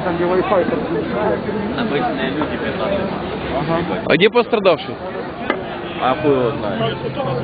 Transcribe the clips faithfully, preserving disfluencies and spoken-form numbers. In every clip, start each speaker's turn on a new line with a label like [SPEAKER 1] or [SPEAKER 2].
[SPEAKER 1] там где Wi-Fi.
[SPEAKER 2] Обычные люди пятнадцать.
[SPEAKER 1] Ага.
[SPEAKER 3] А где пострадавший?
[SPEAKER 2] А хуй его знает.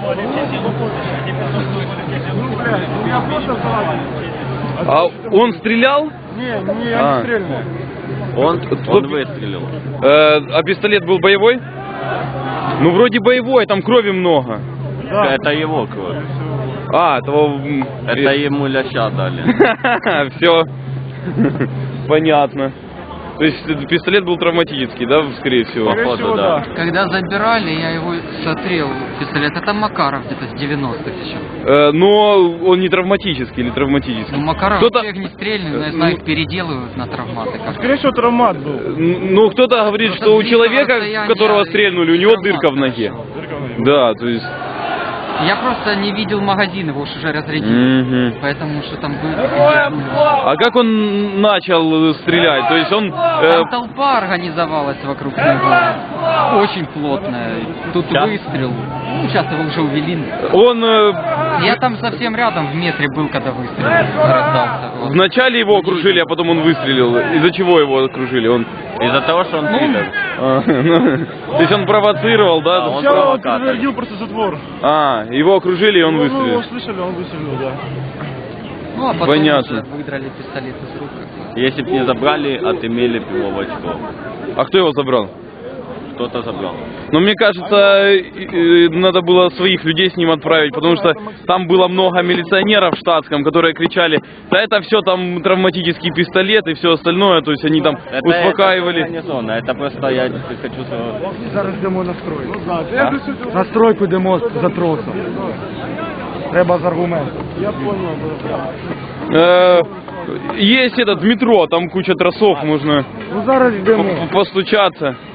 [SPEAKER 1] Ну, блядь, у меня просто салат.
[SPEAKER 3] А он стрелял?
[SPEAKER 1] Не, не, я
[SPEAKER 3] А.
[SPEAKER 1] не стрельнул.
[SPEAKER 2] Он, он выстрелил.
[SPEAKER 3] Э, а пистолет был боевой? Ну, вроде боевой, там крови много.
[SPEAKER 1] Да.
[SPEAKER 2] Это его кровь.
[SPEAKER 3] А, этого... м,
[SPEAKER 2] Это ему ляща дали.
[SPEAKER 3] Все. Понятно. То есть этот пистолет был травматический, да, скорее всего?
[SPEAKER 1] Скорее
[SPEAKER 2] Походу,
[SPEAKER 1] всего,
[SPEAKER 2] да.
[SPEAKER 1] да.
[SPEAKER 4] Когда забирали, я его смотрел, пистолет. Это Макаров где-то с девяностых еще.
[SPEAKER 3] Э, но он не травматический или травматический?
[SPEAKER 4] Ну, Макаров
[SPEAKER 3] Кто-то-
[SPEAKER 4] вообще огнестрельный, но я знаю, их переделывают на травматы. Как
[SPEAKER 1] Скорее всего, травмат был.
[SPEAKER 3] Н- Ну, кто-то говорит,
[SPEAKER 4] Просто
[SPEAKER 3] что у
[SPEAKER 4] с близкого
[SPEAKER 3] человека, в
[SPEAKER 4] расстояния
[SPEAKER 3] которого стрельнули, у него
[SPEAKER 4] травмат
[SPEAKER 3] дырка в ноге.
[SPEAKER 4] хорошо.
[SPEAKER 3] Да, то есть...
[SPEAKER 4] Я просто не видел магазин, его уж уже разрядили.
[SPEAKER 3] Мгм.
[SPEAKER 4] Поэтому что там было.
[SPEAKER 3] А как он начал стрелять? То есть он... э,
[SPEAKER 4] Там толпа организовалась вокруг него. Очень плотная. Тут
[SPEAKER 2] Сейчас?
[SPEAKER 4] выстрел. Ну, сейчас его уже увели.
[SPEAKER 3] он э,
[SPEAKER 4] Я там совсем рядом в метре был, когда выстрел раздался. Вот.
[SPEAKER 3] вначале его окружили, а потом он выстрелил. Из-за чего его окружили? Он...
[SPEAKER 2] Из-за того, что он пидор.
[SPEAKER 3] а, ну, то есть он провоцировал, да?
[SPEAKER 2] А, он
[SPEAKER 1] Сначала он
[SPEAKER 2] провокатор.
[SPEAKER 1] подтвердил просто затвор.
[SPEAKER 3] А, его окружили, и он
[SPEAKER 1] Ну,
[SPEAKER 3] выстрелил.
[SPEAKER 1] его слышали, он выстрелил, да.
[SPEAKER 4] Ну, а потом
[SPEAKER 3] Понятно.
[SPEAKER 4] уже выдрали пистолет из рук.
[SPEAKER 2] Если бы не забрали, отымели бы его в очко.
[SPEAKER 3] А кто его забрал?
[SPEAKER 2] Кто-то забрал.
[SPEAKER 3] Но мне кажется, э, э, надо было своих людей с ним отправить, потому что там было много милиционеров в штатском, которые кричали, да это все там травматический пистолет и все остальное, то есть они там
[SPEAKER 2] Это,
[SPEAKER 3] успокаивали.
[SPEAKER 2] Это не зона, это просто я хочу своего...
[SPEAKER 1] Зараз йдемо на стройку.
[SPEAKER 2] А?
[SPEAKER 1] На стройку йдемо за тросом. Треба з аргументом. Я понял.
[SPEAKER 3] Э, Есть этот в метро, там куча тросов, можно
[SPEAKER 1] Ну зараз йдемо.
[SPEAKER 3] по- постучаться.